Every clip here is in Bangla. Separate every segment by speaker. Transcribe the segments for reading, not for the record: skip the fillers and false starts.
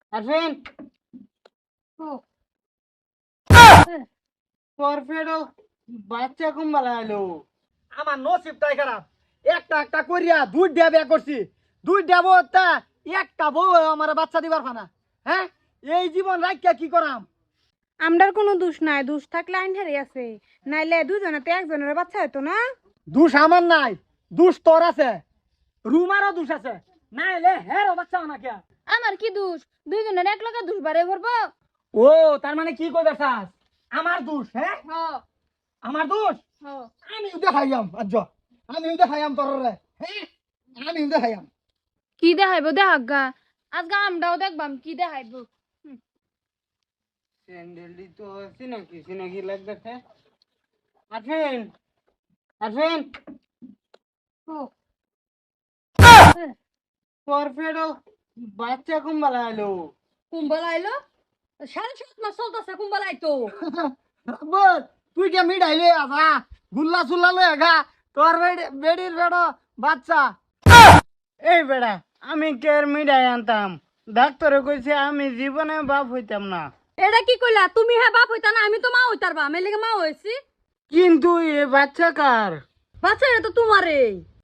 Speaker 1: আরফিন তোর পেটও বাচ্চা কুম্বালা এলো।
Speaker 2: আমার নসিবটাই খারাপ। একটা একটা করিয়া দুইটা বিয়া করছি, দুইটা বউ তা একটা বউ আমার বাচ্চা দিবার ফানা। হ্যাঁ, এই জীবন রাখিয়া কি করাম?
Speaker 3: আমরার কোনো দোষ নাই, দোষ থাকলে আইন হেরে আছে, নাইলে দুজনেতে একজনের বাচ্চা হতো না।
Speaker 2: দোষ আমার নাই, দোষ তোর আছে, রুমারও দোষ আছে। না এলে হেরও বাচ্চা না কে?
Speaker 3: আমার কি দোষ? দুইজনের এক লগে দোষ বাড়ে ভরবো।
Speaker 2: ও তার মানে কি কইবার চাস? আমার দোষ? হ্যাঁ, আমার দোষ। আমি দেখাইয়াম আজ, আমি দেখাইয়াম তোর রে। হ্যাঁ, আমি দেখাইয়াম।
Speaker 3: কি দেখাইব দেখাগা, আজকে আমরাও দেখবাম কি দেখাইব।
Speaker 1: স্যান্ডেলটি তো চিনাকি চিনাকি লাগতেছে। আরফিন আরফিন তোর পেটও বাচ্চা কুম্বালা এলো।
Speaker 3: কুম্বলা আইলো, 7.5 মাস চলতেছে কুম্বলা আইতো।
Speaker 2: বল তুই কে মিঠাইলে আসা, গুল্লা সুল্লা লয়ে গা, তোর বেডির বেড়ো বাচ্চা।
Speaker 1: এই বেড়া আমি কের মিঠাই আনতাম, ডাক্তারে কইছে আমি জীবনে বাপ হইতাম না।
Speaker 3: এটা কি কইলা তুমি? হ্যাঁ বাপ হইতা না, আমি তো মা হইতারবা, আমি লেগে মা হইছি।
Speaker 1: কিন্তু এ বাচ্চা কার?
Speaker 3: বাচ্চা এটা তো তোমারে।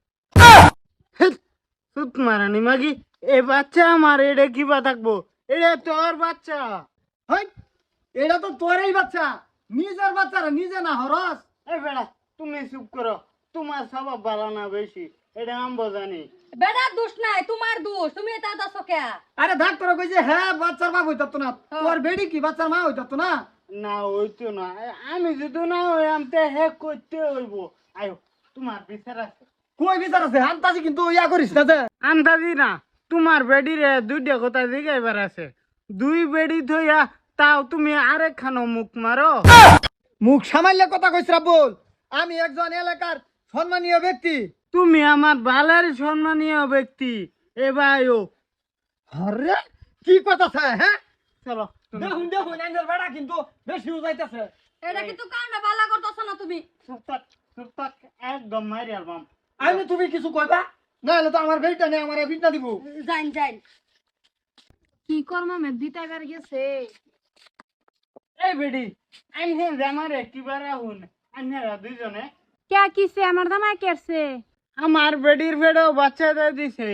Speaker 1: সুত মারানি মাগি, এ বাচ্চা আমার, এটা কিবা থাকবো? এটা তোর বাচ্চা।
Speaker 2: হই, এটা তো তোরই বাচ্চা, নিজের বাচ্চারা নিজে না হরস।
Speaker 1: এই বেড়া তুমি চুপ করো, তোমার স্বভাব ভালো না বেশি, এটা আমি জানি।
Speaker 3: বেটার দোষ নাই, তোমার দোষ, তুমি এটা দাসো কে?
Speaker 2: আরে ডাক্তার কইছে হ্যাঁ বাচ্চার বাপ হইতাতো না, তোর বেডি কি বাচ্চার মা হইতাতো না?
Speaker 1: না হইতো না, আমি যদি না হইয়াম তে হে করতে হইব। আয়ো, তোমার বিচার আছে।
Speaker 2: কই বিচার আছে? আন্তাজি কিন্তু ইয়া করিস না যে।
Speaker 1: আন্দাজি না, তোমার বেডিরে দুইটা কথা জিগাইবার আছে। দুই বেডি থইয়া তাও তুমি আরেক খানো মুখ মারো।
Speaker 2: মুখ সামাইলে কথা কইছ বল। আমি একজন এলাকার সম্মানীয় ব্যক্তি।
Speaker 1: তুমি আমার বালের সম্মানীয় ব্যক্তি। এ ভাইও
Speaker 2: আরে কি কথা আছে? হ্যাঁ,
Speaker 1: চলো
Speaker 2: দেখুন দেখুন আঙ্গেল বেড়া কিন্তু বেশি উজাইতেছে।
Speaker 3: এটা কিন্তু কামটা বালা করতেছ না তুমি।
Speaker 1: চুপ থাক, চুপ থাক, একদম মারি আলবাম।
Speaker 2: আমি তুমি কিছু কইবা না, হলে তো আমার বেড়িটা নেই, আমার বিটনা দিব।
Speaker 3: যাইন যাইন। কি করমা মে দিতাইবার গেছে।
Speaker 1: এই বেডি আইনে জামারে কিবার আহুন, আইনারা দুইজনে।
Speaker 3: কে কিছে আমার দামাই কেরছে?
Speaker 1: আমার বেডির ফেডও বাচ্চা দিয়ে দিছে।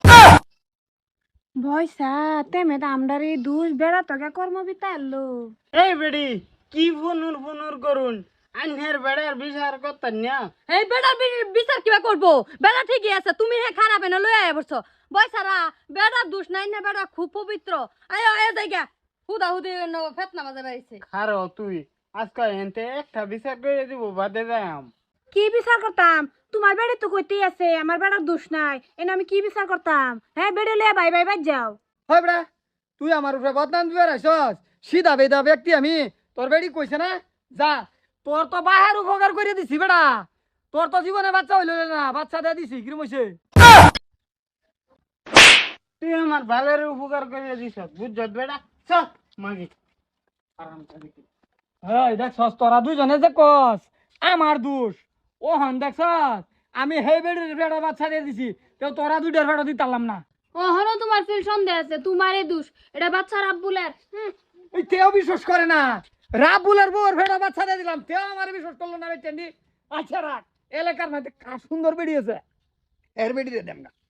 Speaker 3: ভয়সা তেমে তো আমরার এই দুষ বেড়া তোকে কর্ম বিতাইলো।
Speaker 1: এই বেডি কি ফনুর ফনুর করুন, আইনের বেড়ার বিচার করতেন না।
Speaker 3: এই বেড়ার বিচার কিবা করবো? বেড়া ঠিকই আছে, তুমি হে খারাপ এনে লই আয় বসছো। বয়সারা বেড়ার দোষ নাই না, বেড়া খুব পবিত্র। আয় আয় জায়গা হুদা হুদি ফেতনা বাজে বেরিয়েছে।
Speaker 1: খারো তুই আজকাল এনতে একটা বিচার করে দিব, বাদে যাইম।
Speaker 3: কি বিচার করতাম? তোমার বেড়ে তো কইতেই আছে আমার বেড়ার দোষ নাই, এনে আমি কি বিচার করতাম? হ্যাঁ বেড়ে লিয়ে বাই বাই বাই যাও।
Speaker 2: হয় বেড়া, তুই আমার উপরে বদনাম দিবে রাইছস। সিধা বেদা ব্যক্তি আমি, তোর বেড়ি কইছে না যা, তোর তো বাহার উপকার করে দিছি বেড়া। তোর তো জীবনে বাচ্চা হইল না, বাচ্চা দিয়ে দিছি কিরম হইছে?
Speaker 1: তুই আমার ভালের উপকার করে দিছ, বুঝছ বেড়া? চল মাগি আরাম করে।
Speaker 2: হ্যাঁ দেখছস তোরা দুইজনে যে কস আমার দোষ, ও হন দেখছস আমি হেই বেড়ির বেড়া বাচ্চা দিয়ে দিছি, তো তোরা দুইটার বেড়া দিতাম না।
Speaker 3: ওহনো তোমার ফিল সন্দেহ আছে, তোমারই দোষ, এটা বাচ্চার আব্বুলের।
Speaker 2: ওই তেও বিশ্বাস করে না, রাবুলের বউর ভেড়া বাচ্চা দিয়ে দিলাম, তেও আমার বিশ্বাস করলো না। বেটেন্ডি আচ্ছা রাখ, এলাকার মধ্যে সুন্দর বেরিয়েছে, এর বেড়ি দিয়ে দেন না।